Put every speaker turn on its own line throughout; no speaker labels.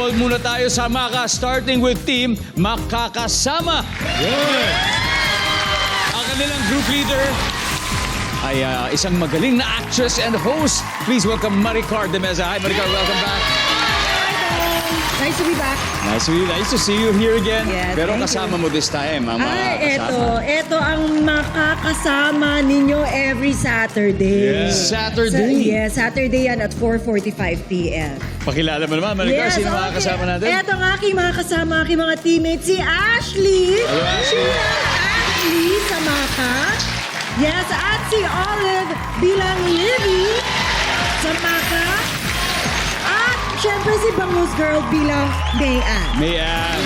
Involve muna tayo sa Maka, starting with Team Makakasama. Ang kanilang group leader ay isang magaling na actress and host. Please welcome Maricar de Meza. Hi, Maricar. Welcome back.
Nice to be back.
Nice to see you here again.
Yes,
Pero
thank
kasama mo this time, ang
Ito ang makakasama ninyo every Saturday.
Yes. Saturday?
Saturday yan at 4:45 p.m.
Pakilala mo naman, Maricar. Sino mga kasama natin?
Ito ang aking mga kasama, aking mga teammates, si Ashley.
Hello, Ashley.
Ashley sa Maka. Yes, at si Olive bilang Livy sa Maka. At syempre si Bangus Girl bilang Mayan.
Mayan.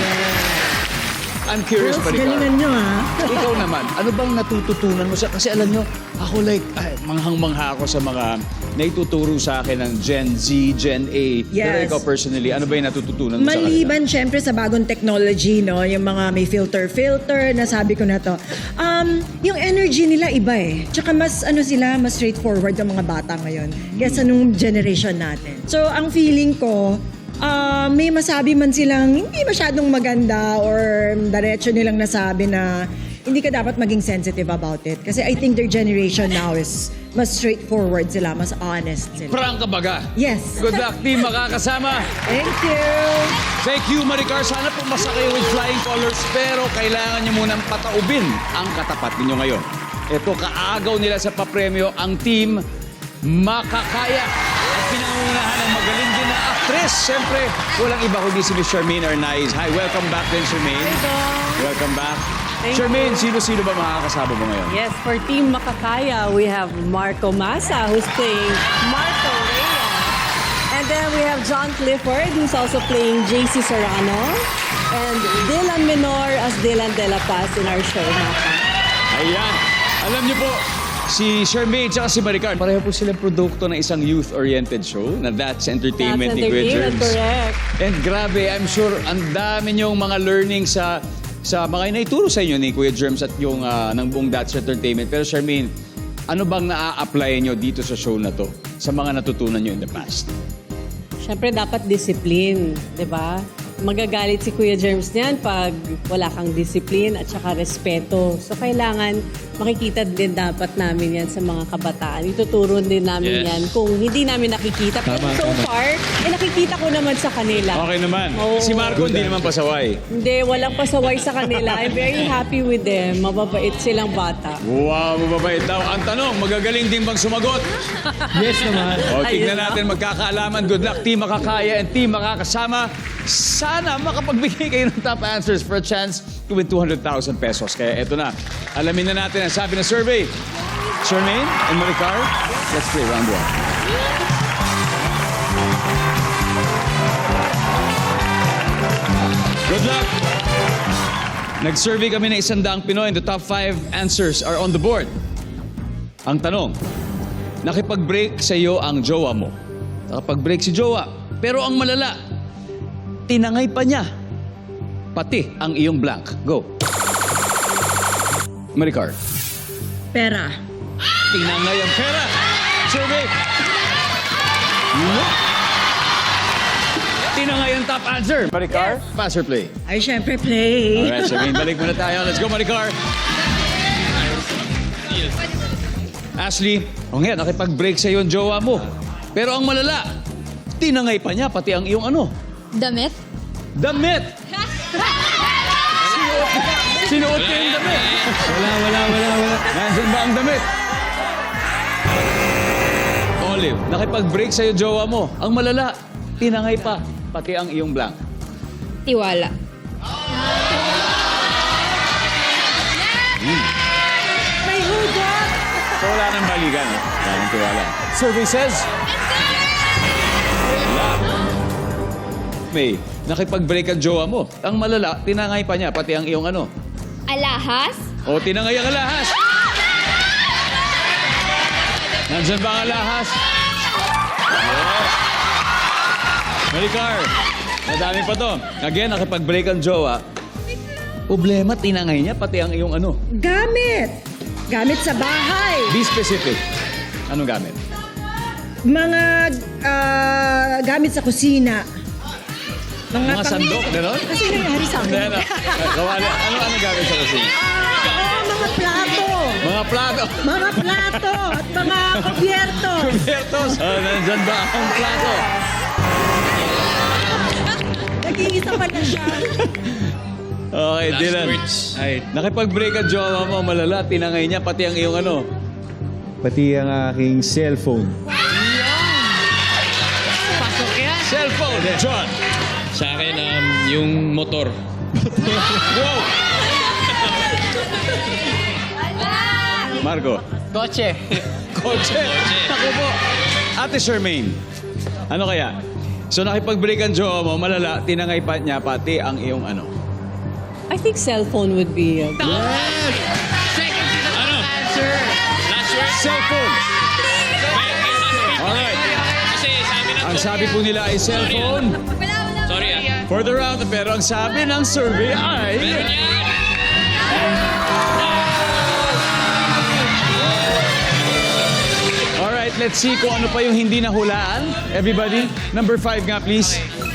I'm curious,
Girls,
Maricar.
galingan nyo ha.
Ikaw naman, ano bang natututunan mo sa... Kasi alam nyo, ako manghang-mangha ako sa mga naituturo sa akin ng Gen Z, Gen A. Pero
Yes.
ikaw personally, ano ba yung natututunan mo sa kanila?
Maliban syempre sa bagong technology, no? Yung mga may filter, nasabi ko na to. Yung energy nila iba eh. Tsaka mas mas straightforward yung mga bata ngayon kaysa nung generation natin. So ang feeling ko, may masabi man silang hindi masyadong maganda or diretso nilang nasabi na hindi ka dapat maging sensitive about it. Kasi I think their generation now is mas straightforward sila, mas honest sila.
Prank ka baga?
Yes.
Good luck, team Makakasama.
Thank you.
Thank you, Maricar. Sana pumasa kayo with flying colors, pero kailangan nyo munang pataubin ang katapat ninyo ngayon. Ito, kaagaw nila sa papremyo ang team Makakaya. At pinangungunahan ng magaling din na actress. Siyempre, walang iba kundi si Miss Charmaine Arnaiz. Hi, welcome back din, Charmaine. Welcome back. Charmaine, sino-sino ba makakasama mo ngayon?
Yes, for Team Makakaya, we have Marco Massa, who's playing Marco Reyes. And then we have John Clifford, who's also playing JC Serrano. And Dylan Menor as Dylan De La Paz in our show, Maka.
Ayan. Alam niyo po, si Charmaine at si Maricar, pareho po silang produkto ng isang youth-oriented show na That's Entertainment ni Kuya Germs.
Correct.
And grabe, I'm sure ang dami niyong mga learning sa mga naituro sa inyo ni Kuya Germs at yung ng buong That's Entertainment. Pero Charmaine, ano bang naa-apply niyo dito sa show na to sa mga natutunan niyo in the past?
Siyempre, dapat discipline, di ba? Magagalit si Kuya Germs niyan pag wala kang discipline at saka respeto. So, kailangan makikita din dapat namin yan sa mga kabataan. Ituturo din namin
Yes.
yan kung hindi namin nakikita. Pero so far, nakikita ko naman sa kanila.
Okay naman.
Oo.
Si Marco hindi naman pasaway.
Hindi, walang pasaway sa kanila. I'm very happy with them. Mababait silang bata.
Wow, mababait daw. Ang tanong, magagaling din bang sumagot?
Yes naman.
O, tignan
Ayun
natin magkakaalaman. Good luck, Team Makakaya and Team Makakasama. Sana makapagbigay kayo ng top answers for a chance to win 200,000 pesos. Kaya eto na. Alamin na natin ang sabi ng survey. Charmaine and Maricar, let's play round one. Good luck! Nag-survey kami ng 100 Pinoy and the top 5 answers are on the board. Ang tanong, nakipag-break sa iyo ang jowa mo. Nakapag-break si jowa. Pero ang malala, tinangay pa niya. Pati ang iyong blank. Go. Maricar.
Pera.
Tinangay ang pera. Survey. Tinangay ang top answer. Maricar, pass or play?
Ay, syempre play.
Alright, Charmaine, balik muna tayo. Let's go, Maricar. Ashley, ngayon, nakipag-break sa iyo ang jowa mo. Pero ang malala, tinangay pa niya, pati ang iyong ano?
Damit?
Damit! Sinuot niya yung damit.
Wala.
Nandiyan ba ang damit? Olive, nakipag-break sa iyo jowa mo. Ang malala, tinangay pa, pati ang iyong blank.
Tiwala.
May hugot.
So wala nang balikan. Wala nang tiwala. Survey says... May, nakipag-break ang jowa mo. Ang malala, tinangay pa niya, pati ang iyong ano.
Alahas?
O, tinangay ang alahas. Nandyan ba ang alahas? Yes. Maricar, madami pa to. Again, nakipag-break ang jowa. Problema, tinangay niya, pati ang iyong ano.
Gamit. Gamit sa bahay.
Be specific. Anong gamit?
Mga gamit sa kusina.
Mga sandok, gano'n?
Kasi nangyari sa
Hindi,
akin.
ano? Kawali, ano gamit sa kusina?
Mga plato.
Mga plato.
Mga plato at mga kubyerto.
Bertos. Nandyan ba ang plato?
Nag-iisa pa na siya.
Okay, Dylan.
Ay,
Nakipag-break ang jowa mo, malala. Tinangay niya, pati ang iyong ano.
Pati ang aking cellphone.
Cellphone, John.
sa akin, yung motor.
Wow! Marco.
Kotse.
Kotse. Ako po. Ate Charmaine, ano kaya? So nakipag-break ang jowa mo, malala, tinangay pa niya pati ang iyong ano.
I think cellphone would be good.
Last word?
Cellphone. Alright.
Kasi sa amin
Ang sabi po nila ay cellphone.
Sorry
For the round, pero ang sabi ng survey ay... Alright, let's see kung ano pa yung hindi nahulaan. Everybody, number 5 nga please.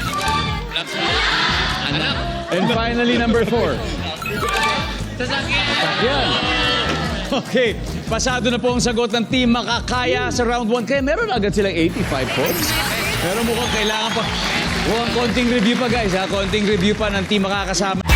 And finally, number 4. Sasakyan. Okay, pasado na po ang sagot ng team Makakaya sa round 1. Kaya meron agad silang 85 points. Pero mukhang kailangan pa. Mukhang konting review pa guys ha. Konting review pa ng team Makakasama.